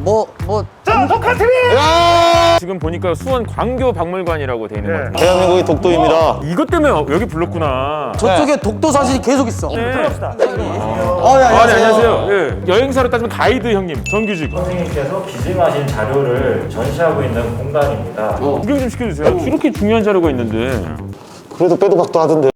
자, 독한 TV! 지금 보니까 수원 광교박물관이라고 돼 있는 것 같아요. 대한민국의 독도입니다. 이것 때문에 여기 불렀구나. 저쪽에 독도 사진이 계속 있어. 네. 들어갑시다. 네, 네, 안녕하세요. 예. 여행사로 따지면 가이드 형님, 정규직. 선생님께서 기증하신 자료를 전시하고 있는 공간입니다. 구경 좀 시켜주세요. 이렇게 중요한 자료가 있는데. 그래도 빼도 박도 하던데.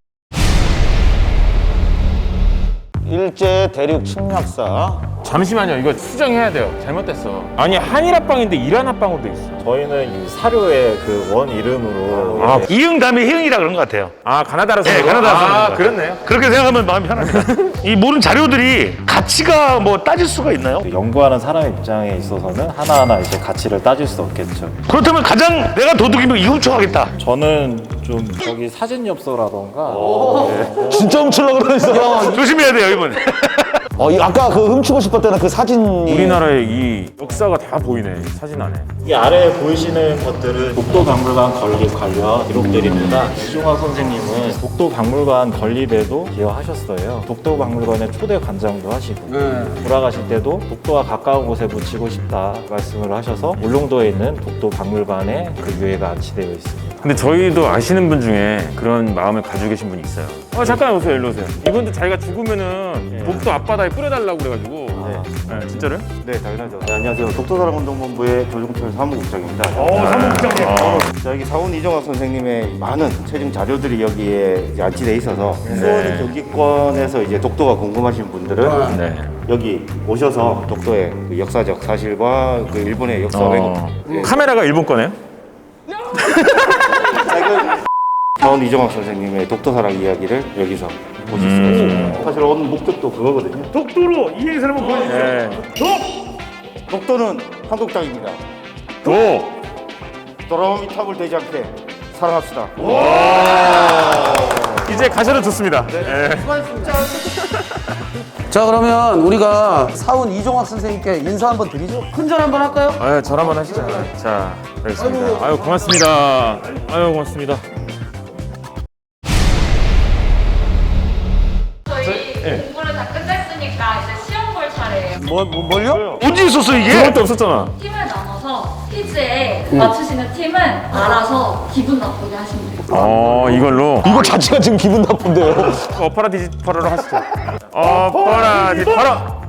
일제 대륙 침략사. 잠시만요. 이거 수정해야 돼요. 잘못됐어. 아니 한일합방인데 일한합방으로 돼 있어. 저희는 이 사료의 그 원 이름으로 이응 다음에 희응이라 그런 것 같아요. 아 가나다라서. 네, 가나다라서. 아 그렇네요. 그렇게 생각하면 마음이 편합니다. 이 모든 자료들이 가치가 뭐 따질 수가 있나요? 연구하는 사람 입장에 있어서는 하나하나 이제 가치를 따질 수 없겠죠. 그렇다면 가장 내가 도둑이면 이 훔쳐가겠다. 저는 좀 저기 사진 엽서라던가 진짜 훔치려고 그러셨어. 조심해야 돼요, 이분. 아까 그 훔치고 싶었다는 그 사진이. 우리나라의 이 역사가 다 보이네 사진 안에. 이 아래에 보이시는 것들은 독도박물관 건립 관련 기록들입니다. 이종학 선생님은 독도박물관 건립에도 기여하셨어요. 독도박물관의 초대 관장도 하시고 돌아가실 때도 독도와 가까운 곳에 묻히고 싶다 말씀을 하셔서 울릉도에 있는 독도박물관에 그 유해가 안치되어 있습니다. 근데 저희도 아시는 분 중에 그런 마음을 가지고 계신 분이 있어요. 잠깐 오세요. 일로 오세요. 이분도 자기가 죽으면은 독도 앞바다에 뿌려달라고 그래가지고. 네, 진짜로요? 네, 당연하죠. 네, 안녕하세요. 독도사랑운동본부의 조종철 사무국장입니다. 사무국장님. 여기 사원 이종학 선생님의 많은 최종 자료들이 여기에 이제 안치돼 있어서 수원 경기권에서 이제 독도가 궁금하신 분들은 네. 여기 오셔서 독도의 그 역사적 사실과 그 일본의 역사 왜곡 카메라가 일본 거네요? 사원 이종학 선생님의 독도사랑 이야기를 여기서 보실 수가 있습니다. 사실 오늘 목적도 그거거든요. 독도로 이 행사를 한번 보여주세요. 네. 독도는 한국 땅입니다. 도! 도라미 탑을 되지 않게 사랑합시다. 이제 가셔도 좋습니다. 네. 자, 그러면 우리가 사운 이종학 선생님께 인사 한번 드리죠. 큰절 한번 할까요? 절 한번 하시죠. 자, 알겠습니다. 아유, 고맙습니다. 아유, 고맙습니다. 저희 공부를 다 끝냈으니까 이제 시험 볼 차례예요. 뭘요? 언제 있었어, 이게? 그것도 없었잖아. 팀을 나눠서 퀴즈에 맞추시는 팀은 알아서 기분 나쁘게 하시면 돼요. 이걸로. 이거 자체가 지금 기분 나쁜데요. 어퍼라 디지퍼라로 하시죠. 어퍼라 디지퍼라.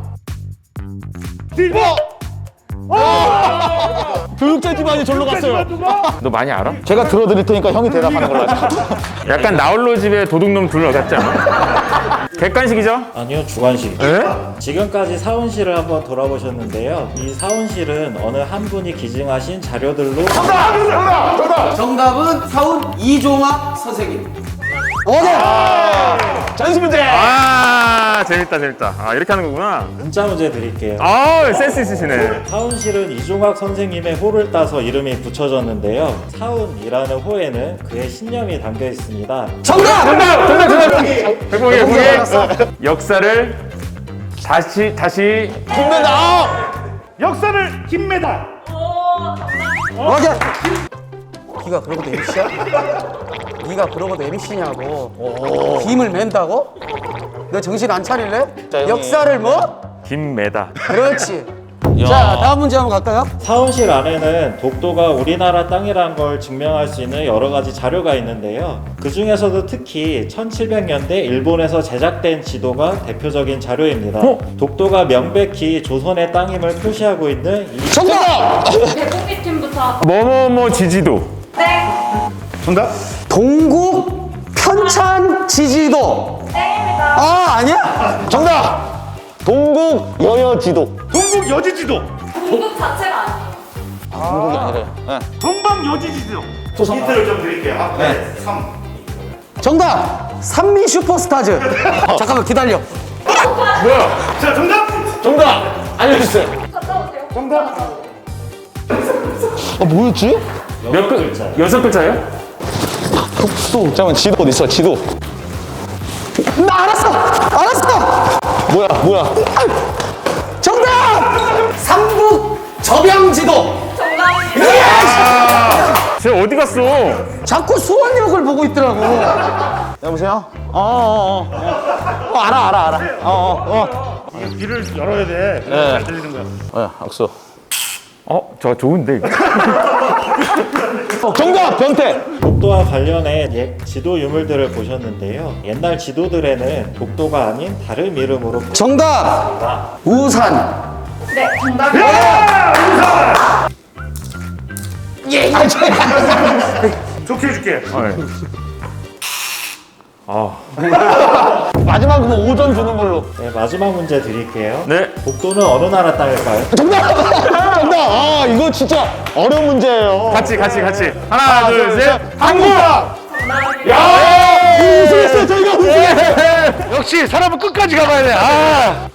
교육자 집안이 절로 갔어요. 너 많이 알아? 제가 들어드릴 테니까 형이 대답하는 걸로 하자. 약간 나홀로 집에 도둑놈 둘러 같지 않아? 객관식이죠? 아니요, 주관식입니다. 네? 지금까지 사원실을 한번 돌아보셨는데요. 이 사원실은 어느 한 분이 기증하신 자료들로 정답은 사운 이종학 선생님. 잔수 문제. 재밌다. 이렇게 하는 거구나. 문자 문제 드릴게요. 센스 있으시네. 사운실은 이종학 선생님의 호를 따서 이름이 붙여졌는데요. 사운이라는 호에는 그의 신념이 담겨 있습니다. 정답! 백봉이. 역사를 다시 김매다. 역사를 김메달. 네가 그러고도 MC야? 네가 그러고도 MC냐고. 김을 맨다고? 너 정신 안 차릴래? 형님. 역사를 뭐? 김매다. 그렇지. 자, 다음 문제 한번 갈까요? 사운실 안에는 독도가 우리나라 땅이라는 걸 증명할 수 있는 여러 가지 자료가 있는데요. 그 중에서도 특히 1700년대 일본에서 제작된 지도가 대표적인 자료입니다. 독도가 명백히 조선의 땅임을 표시하고 있는 이 대공기 팀부터 뭐뭐뭐 지지도. 정답. 동국 편찬 지지도. 땡입니다. 아니야? 정답. 동국 여여지도. 동국 여지지도. 동국 자체가 아니에요. 동국이 아니래. 네. 동방 여지지도. 힌트를 좀 드릴게요. 앞에 3. 정답. 산미 슈퍼스타즈. 잠깐만 기다려. 자, 정답. 정답. 알려주세요. 갔다 오세요. 정답. 뭐였지? 몇 글자? 6글자예요? 잠깐만, 지도 어디 있어? 지도. 나 알았어. 뭐야? 정답. 삼국 접양지도. 정답입니다. 쟤 어디 갔어? 자꾸 수원역을 보고 있더라고. 여보세요? 알아. 귀를 열어야 돼. 네. 잘 들리는 거야. 악수. 저 좋은데 이거. 정답 변태. 독도와 관련해 지도 유물들을 보셨는데요. 옛날 지도들에는 독도가 아닌 다른 이름으로 정답! 우산! 네, 정답입니다. 좋게 해줄게. 마지막 그거 5점 주는 걸로. 네, 마지막 문제 드릴게요. 네. 독도는 어느 나라 땅일까요? 정답. 아 이거 진짜 어려운 문제예요. 같이. 하나, 둘, 셋. 한국. 야! 우승했어요. 저희가 우승했어요. 역시 사람은 끝까지 가봐야 돼. 아.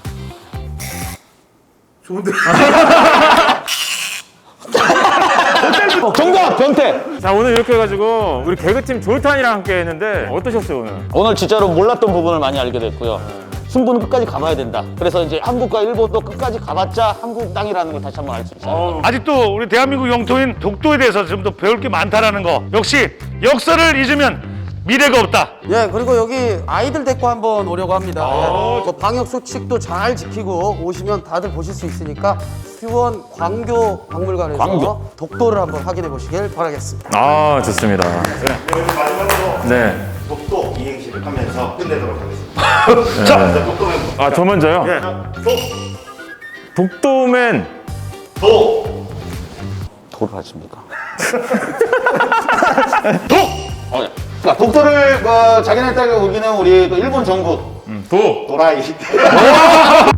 정답 변태. 자, 오늘 이렇게 해가지고 우리 개그팀 졸탄이랑 함께 했는데 어떠셨어요 오늘? 오늘 진짜로 몰랐던 부분을 많이 알게 됐고요. 승부는 끝까지 가봐야 된다. 그래서 이제 한국과 일본도 끝까지 가봤자 한국 땅이라는 걸 다시 한번 알 수 있어요. 아직도 우리 대한민국 영토인 독도에 대해서 좀 더 배울 게 많다라는 거. 역시 역사를 잊으면 미래가 없다. 예, 그리고 여기 아이들 데리고 한번 오려고 합니다. 예, 그 방역 수칙도 잘 지키고 오시면 다들 보실 수 있으니까 수원 광교 박물관에서 광교. 독도를 한번 확인해 보시길 바라겠습니다. 아, 좋습니다. 네. 독도 이행시를 하면서 끝내도록 하겠습니다. 자, 독도 멤버. 아, 저 먼저요? 예. 독도맨. 도를 하십니까? 독! 독도를 자기네 땅에 우기는 우리 또 일본 정부 도. 도라이.